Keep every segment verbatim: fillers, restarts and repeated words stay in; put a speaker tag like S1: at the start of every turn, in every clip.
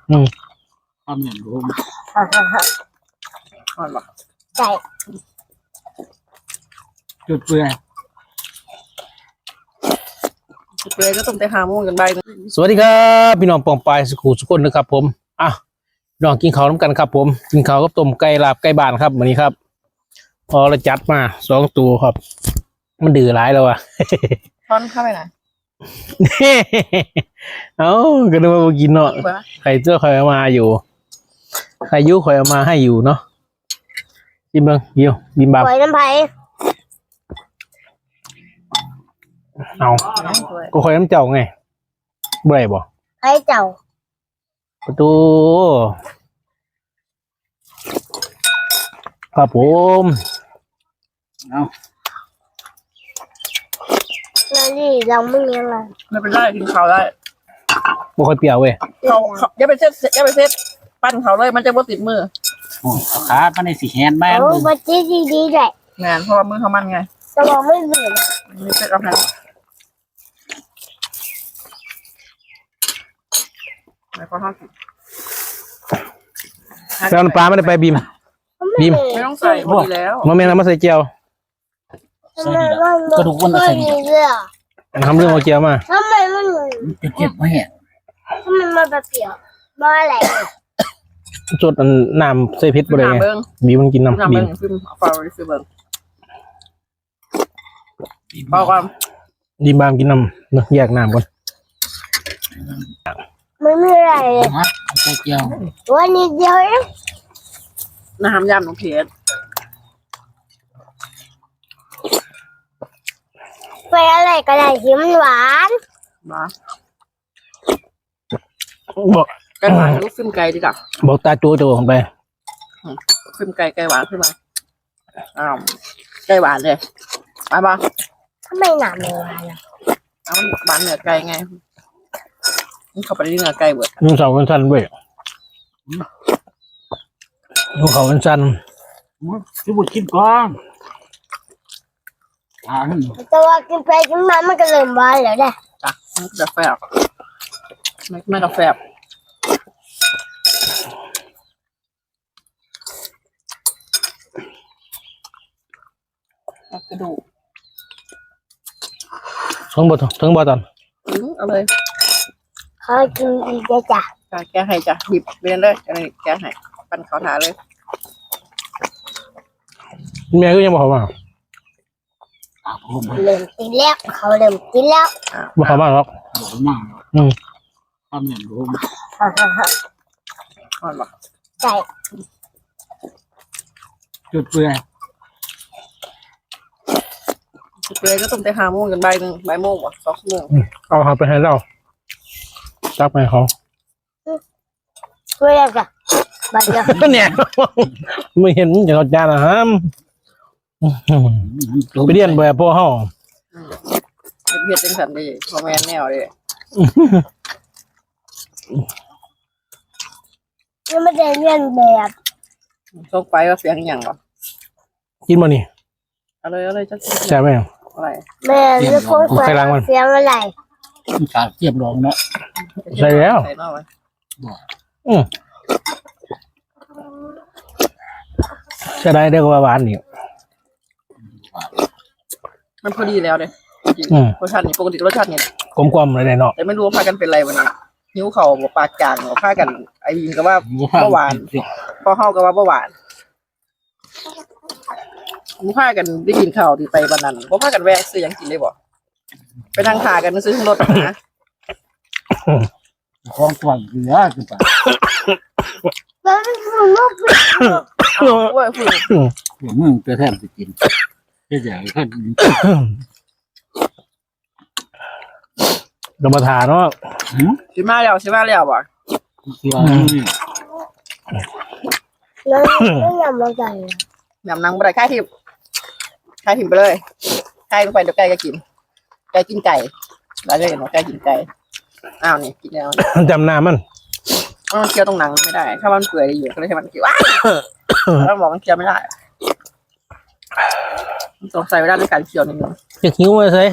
S1: อืม
S2: ทำอย่างรู้
S3: ฮ่าฮ่าฮ่า
S2: ทอดหรอ
S3: ใช่
S2: จุดเปลือย
S4: จุดเปลือยก็ต้องไปหาโมงกันใบนึง
S1: สวัสดีครับพี่น้องปองปายสุขุสุขคนนะครับผมอ่ะพี่น้องกินข้าวน้ำกันครับผมกินข้าวกับต้มไก่ลาบไก่บ้านครับวันนี้ครับพอเราจัดมาสองตัวครับ มันดื้อหลายแล้วอ่ะ
S4: ทอนเข้าไปไหน
S1: เอ้าก็นึกว่าบ่กินเนาะใครเจ้าคอยเอามาอยู่ใครยุคอยเอามาให้อยู่เนาะบิมเบิ้งยิวบิมบับ
S3: ปล่อยน้ำไผ่
S1: เอาก็คอยน้ำเจ้าไงบ่ได้บ่
S3: ไผ่เจ้า
S1: ประตูครับผม
S2: เอา
S3: แล้วนี่เราไม่มีอะไร
S4: ไม่เป็นไรกินข้าวได้
S1: บ่ค่อยเปรี้ยวเว้ย
S4: เขาเขาอย่าไปเซ็ตอย่าไปเซ็ตปั้นเขาเลยมันจะบ่ติดมือ
S2: โอ้เอาขามันในสีแฮนด์แม่
S3: โอ้บัจีดีดีๆด้วย
S4: งานเพราะว่ามือเขามันไง
S3: แต่ว่าไม่เบื่อ
S4: มีเซ็ตเอาให้แล้วก็ทอด
S1: แล้วน้ำปลาไม่ได้ไปบิม บีม
S4: ไม่ต้องใส่พอดีแล้ว
S1: มาแม่นำมาใส่เจียว
S3: ทำไมมัน
S2: กระดูกมัน
S3: ไม่
S2: ใส่
S3: มีเรื่อง
S1: ทำเรื่องเอาเจียวมา
S3: ทำไมมัน
S2: จะเจ็บไหมเนี่ย
S3: ทำไมมันแบบเปรี้ยวมาอะไร
S1: จดอันน้ำใส่พริษบ่ได้
S4: น้ำ
S1: ไง
S4: เบิ้ง
S1: บีมมันกิน
S4: น้ำ
S1: น้ำบี
S4: เบิ้
S1: ม
S4: งฟิล์มเอาฟาวฟิล์มเบิ้งเบาความ
S1: บีมบามกินน้ำเนอะแยกน้ำก่อน
S3: ไม่มีอะไรเลย
S2: ฮะใส่เกี๊ยว
S3: วันนี้เดียวเอง
S4: น้ำยำของเพชร
S3: ไปอะไรก็ได้ที่มันหวาน
S4: มา
S1: บอก
S4: ไก่หวานลูกฟิล์มไก่ดีกว่า
S1: บอกตาจูโจของไป
S4: ฟิล์มไก่ไก่หวานขึ้นมาอ้าวไก่หวานเลยไปบ้าง
S3: ทำไมหนาไม่หวานอ่ะ
S4: เอามันหวานเหนือไก่ไงมันเข้าไปในเนื้อไก่เบิด
S1: นุ่งเสาวันสั้นเว้ยนุ่งเขาวันสั้น
S2: ที่บุญกินก่อนทาน
S3: แต่ว่ากินไปกินมามันก็เริ่มหวานแล้วแหละ
S4: จ้ะมันก็จะแฟบไม่ไม่กาแฟบกระดูก
S1: ทั้งบ่ทั้งบ่ตอน
S4: อืมเอาเลย
S3: เขากินอีกแล้วจ้ะ
S4: จ้ะแกะให้จ้ะหยิบเรียนเลยอันนี้แกะให้ปั้นเขาถาเลย
S1: แม่ก็ยังบอกเขามา
S2: ปากผม
S3: เริ่มกินแล้วเขาเริ่มกินแล้ว
S4: อ่า
S1: บอกเขามาหรอก
S2: หวานมาก
S1: อืม
S2: ทำอย่างรู้
S3: ฮ่าฮ่าฮ่า
S4: อ่อนปะ
S3: ใช่
S2: จุดเปลือย
S4: เปลือยก็ต้องไปหาโมงกันใบหนึ่งใบโมงวะสองชั่วโมง
S1: เอาเขาไปให้เราตักไปให้เขา
S3: ช่วยแล้วจ้ะบัดเดียว
S1: เนี่ยไม่เห็นอย่างเขาจานอาหารไปเรียนแบบพ่อเฮา
S4: เฮ็ดจังสันดีพอแม่นแนวเลย
S3: ยังไม่ได้เรียนแบบ
S4: ส่งไปว่าเสียงอหย่างวะ
S1: กินมานี่
S4: เอาเลยเอาเลยจะกิน
S1: ใช่ไหม
S4: อะไร
S3: แม่เรียกคน
S1: ใครล้างมัน
S3: เสียงอะไร
S2: ขาเทียบรองเนาะ
S1: ใช่แล้ว
S4: ใส่นอกไว้
S1: อืมใช่ได้ได้กว่าหวานนี่
S4: มันพอดีแล้วเลยจริง
S1: อืม
S4: รสชาตินี่ปกติรสชาตินี่
S1: กลมกลมเลยเนาะ
S4: แต่ไม่รู้ว่าพากันเป็นไรวันนี้หิวเข่าบอกปากจางบอกพากันไอ้ยิงก็ว่าเบาหวานพอเข้าก็ว่าเบาหวานมึงพากันได้กินข้าวที่ไปวันนั้นบ่พากันแวะซื้อหยังกินได้บ่ไปนั่งทากันซื้อรถนะ
S2: คล้องตัวเหลือคือปะ
S3: แล้วมันคือลูกเป็น
S4: เอาว่าฝืน
S2: หัวมึงเพื่อแทนจะกินเพื่ออย่างท่าน
S1: กรรมฐานเนาะ
S4: สิมาแล้วสิมาแล้วบ่
S2: ตัวนี้
S3: แล้วไม่ยอมมาใส่
S4: ยำนังบ่ได้ค่ายทิพย์ค่ายทิพย์ไปเลยค่ายลงไปเดี๋ยวไก่ก็กินไก่กินไก่แล้วจะเห็นว่าไก่กินไก่อ้าวนี่กินแล้ว
S1: จำหน้ามัน
S4: มันเคี้ยวตรงหนังไม่ได้ ถ้ามันเปื่อยอยู่ก็เลยให้มันเคี้ยวว้ายแล้วบอกมันเคี้ยวไม่ได้มันสงสัยเวลาในการเคี้ยวนิดนึง
S1: จะหิวมาใส่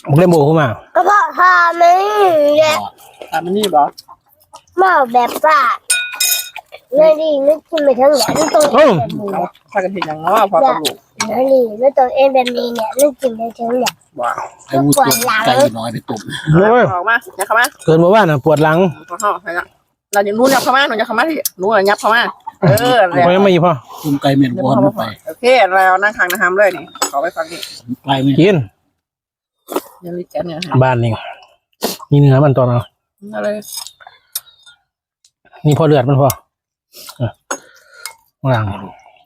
S1: มึงเล่นโบเข้ามา
S3: ก็เพราะทาไม่แหละ
S4: อ่ะมันนี่บอก
S3: มาแบบว่าไม่ดีไม่กินไปทั้งแหล่ไม่ต้องเอ็นแบบนี้
S4: เอาพากันเห็นอย่างเนาะพอกับลูก
S3: ไม่ดีไม่ต้องเอ็นแบบนี้เนี่ยไม่กินไปทั้งแหล่
S4: ว้าว
S2: ไอ้วุ้ตุ่มไก่น้อยไปตุ่ม
S1: โอ้ย
S4: ออกมาอย่าเข้ามา
S1: เกินมาว่าน่ะปวดหลัง
S4: พอเข้าใครละเราอย่านู้นอย่าเข้ามาหนูอย่าเข้ามาที่นู้นยับเข้ามาเออแล้ว
S1: พอยังไม่พอ
S2: ตุ่มไก่เหม็น
S4: เดี๋ยว
S2: บอล
S4: เข้ามา
S2: ไป
S4: โอเคเรานั่งทางนะครับเลยนี่ขอไปฟังนี่
S2: ไก่เหม็น
S1: กิน
S4: ยังรีแกนเนี่ย
S1: บ้านนี่นี่เนื้อมันตอนเอา
S4: อะไร
S1: นี่พอเลือดมันพอเออหลัง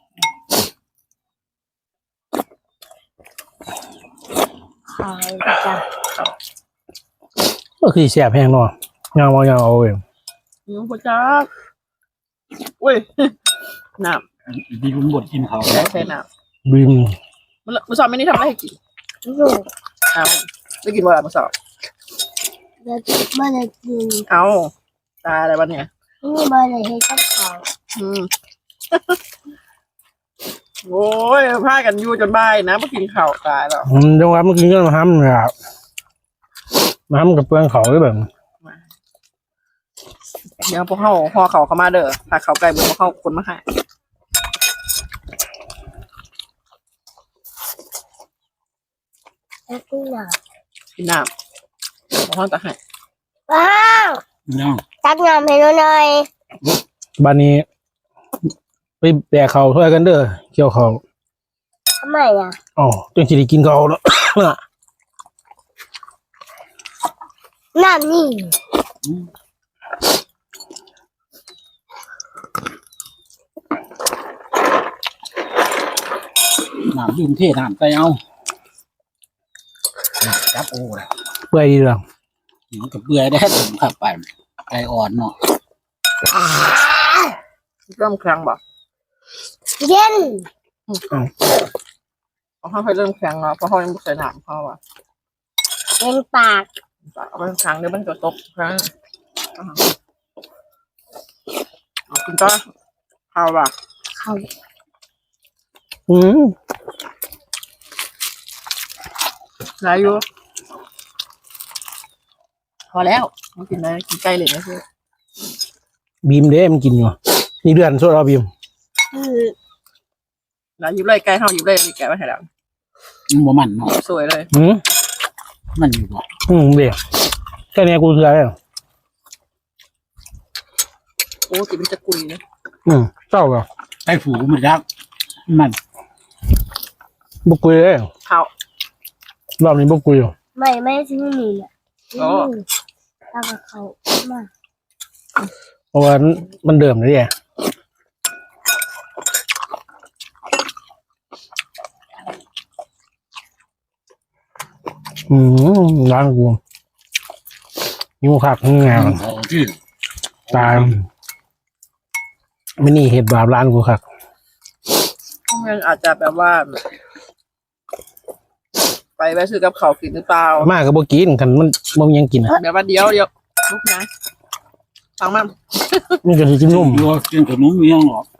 S3: ขายจ้ะ
S1: ก็คือแสบแห้งเนาะยางมายางเอาเอง
S4: ยูปจักอุ้ยน้
S2: ดีลุงบดกินเขา
S4: ำใช่ใช่น้
S1: บีม
S4: ำมันมันสอบไม่ได้ทำอะไรให้กิน
S3: ลูก
S4: เอาไม่กินว่ามันสอบ
S3: แล้วเมื่อไรกิน
S4: เอาตายอะไรวะเนี่ย
S3: นี่เมื่อไรให้กับเขา
S4: อืม โอ้ยพากันอยู่จนบ่ายนะมากินข้าวตายแล้ว
S1: อืมจังหวะเมื่อกี้ก็มาห้ำเลยครับมาห้ำกับเปลืองเขาด้วยแบบ
S4: เดี๋ยวพวกเขาห่อเขาเข้ามาเด้อถ้าเขาไกลมือพวกเขาคนมาให้
S3: แล้วกินหน่อย
S4: กินน้ำพวกเขาจะให้
S3: ว้าว
S2: น้อง
S3: ตักน้ำให้หนูหน่อย
S1: บ้านนี้ ไปแบกเขาช่วยกันเด้อเกี่ยวเขา
S3: ทำไมอ่ะ
S1: อ๋อจนสิได้กินเขาแล้ว
S3: น้ำนี่
S2: น้ำดื่มเทน้ำไก่เอาจับโอ้ละ
S1: เปื่อยดีหรอ
S2: หิวกับเบื่อได้ตุ่มขับไปไก่อ่อนเนาะ
S4: เริ่มครั้งบ่
S3: เย็น
S4: พวกเขาเคยเริ่มครั้งแล้วเพราะเขายังไม่เคยน้ำเขาอ่ะ
S3: เย็นปาก
S4: เอาไปครั้งเดี๋ยวมันจะตกครั้งเอาคุณจ้าข้าวบ่
S3: เขา
S1: อืม
S4: ได้อยู่พอแล้วไม่กินอะไรกินไก่เลยนะคือ
S1: บีมเด้มันกินอยู่นี่เดือนสดเอาบีม
S3: คือ
S4: แล้วยิบเลยไก่เขายิบเลยมีไก่มาให้แล้ว
S2: มันบ่มันเนาะ
S4: สวยเลย
S1: อืม
S2: มันอยู่บ่
S1: อืมเดี๋ยวแค่นี้กูเสือแล้ว
S4: โอ้กินมันจะกุยนะ
S1: อืมเศร้าเหรอ
S2: ไก่ฝูมันรักมัน
S1: บุกกุยเลย
S4: ข้าว
S1: รอบนี้บุกกุยอยู่
S3: ไม่ไม่ซื้อนี่อ่ะ
S4: โอ้
S3: แล้วก็เขามา
S1: เพราะว่ามันเดิมเลยแหละอืมร้านกูนิ้วขักงาน
S2: เขาที่
S1: ตายไม่นี่เห็ดบาปร้านกูขัก
S4: มันอาจจะแบบว่า ไปไปซื้อกับเขาวกินหรือเปล่าม
S1: ากก็บ่กินกันมันบ่มีหยังกินอ่ะ
S4: เดี๋ยววันเดียวเดียวลูกนะฟังมัน
S1: มันก็สิกินนม
S2: อยู่กินขนมเมียงหรอก